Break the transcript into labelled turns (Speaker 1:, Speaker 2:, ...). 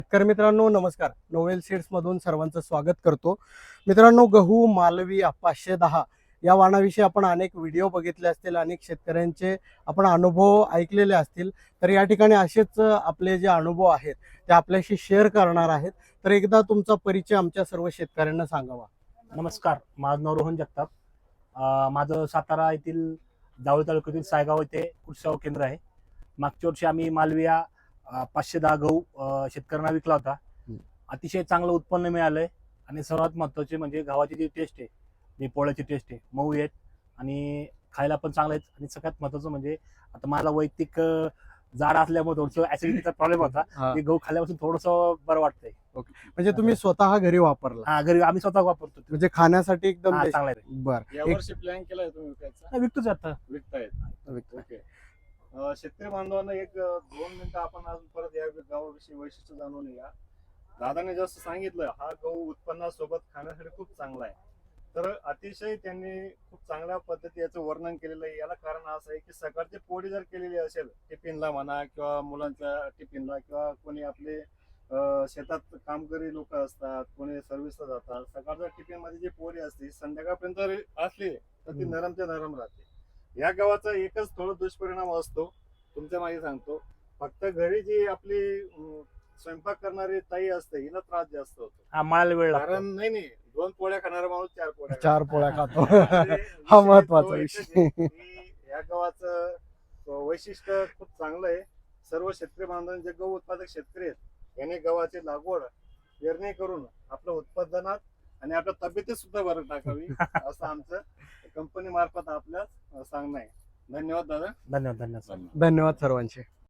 Speaker 1: शेतकरी मित्रांनो नमस्कार. नोवेल सीड्स मधून सर्वांचं स्वागत करतो. मित्रांनो, गहू मालवी 510 या वाणाविषयी आपण अनेक व्हिडिओ बघितले असतील, अनेक शेतकऱ्यांचे आपण अनुभव ऐकलेले असतील. तर या ठिकाणी असेच आपले जे अनुभव आहेत ते आपल्याशी शेअर करणार आहेत. तर एकदा तुमचा परिचय आमच्या सर्व शेतकऱ्यांना सांगावा.
Speaker 2: नमस्कार, माझं नाव रोहन जगताप. माझं सातारा येथील जावळी तालुक्यातील सायगाव येथे कृषी सेवा केंद्र आहे. मागच्या वर्षी आम्ही मालविया 510 गहू शेतकऱ्यांना विकला होता. अतिशय चांगलं उत्पन्न मिळालंय आणि सर्वात महत्त्वाचे म्हणजे गव्हाची जी टेस्ट आहे, जी पोळ्याची टेस्ट आहे, मऊ आहेत आणि खायला पण चांगलं आहेत. आणि सगळ्यात महत्त्वाचं म्हणजे आता मला वैयक्तिक जाड असल्यामुळे थोडंसं ऍसिडिटीचा प्रॉब्लेम होता. ते गहू खाल्ल्यापासून थोडंसं बरं वाटतंय.
Speaker 1: म्हणजे तुम्ही स्वतः घरी वापरला,
Speaker 2: घरी आम्ही स्वतः वापरतो.
Speaker 1: म्हणजे खाण्यासाठी एकदम
Speaker 2: चांगला आहे.
Speaker 1: बर.
Speaker 3: यावर्षी प्लॅन केलाय तुम्ही विकायचा?
Speaker 2: विकतोच आता.
Speaker 3: विकतायत. ओके. शेतकरी बांधवांना एक 2 मिनिटं आपण अजून परत या गावाविषयी वैशिष्ट्य जाणून या. दादाने जसं सांगितलं, हा गहू उत्पन्नासोबत खाण्यासाठी खूप चांगला आहे. तर अतिशय त्यांनी खूप चांगल्या पद्धती याचं वर्णन केलेलं आहे. याला कारण असं आहे की सकाळची पोळी जर केलेली असेल टिफिनला म्हणा किंवा मुलांच्या टिफिनला किंवा कोणी आपले शेतात कामकरी लोक असतात, कोणी सर्व्हिसला जातात, सकाळच्या टिफिन मध्ये जी पोळी असते संध्याकाळपर्यंत असली तर ती नरमच्या नरम राहते. या गव्हाचा एकच थोडा दुष्परिणाम असतो, तुमच्या मागे सांगतो. फक्त घरी जी आपली स्वयंपाक करणारी ताई असते हिला त्रास जास्त होतो.
Speaker 2: मळायला वेळ लागतो.
Speaker 3: कारण नाही 2 पोळ्या खाणारा माणूस 4 पोळ्या
Speaker 1: 4 पोळ्या खातो.
Speaker 3: म्हणजे
Speaker 1: हा
Speaker 3: विषय
Speaker 1: महत्वाचा
Speaker 3: तो
Speaker 1: विषय.
Speaker 3: एकच आहे की या गव्हाचं वैशिष्ट्य खूप चांगलं आहे. सर्व शेतकरी बांधवांचे जे गहू उत्पादक शेतकरी आहेत याने गव्हाची लागवड पेरणी करून आपल्या उत्पादनात आणि आपल्या तब्येतीत सुद्धा भर टाकावी असं आमचं कंपनी मार्फत आपल्याला सांगणं आहे. धन्यवाद दादा.
Speaker 2: धन्यवाद.
Speaker 1: धन्यवाद सर्वांचे.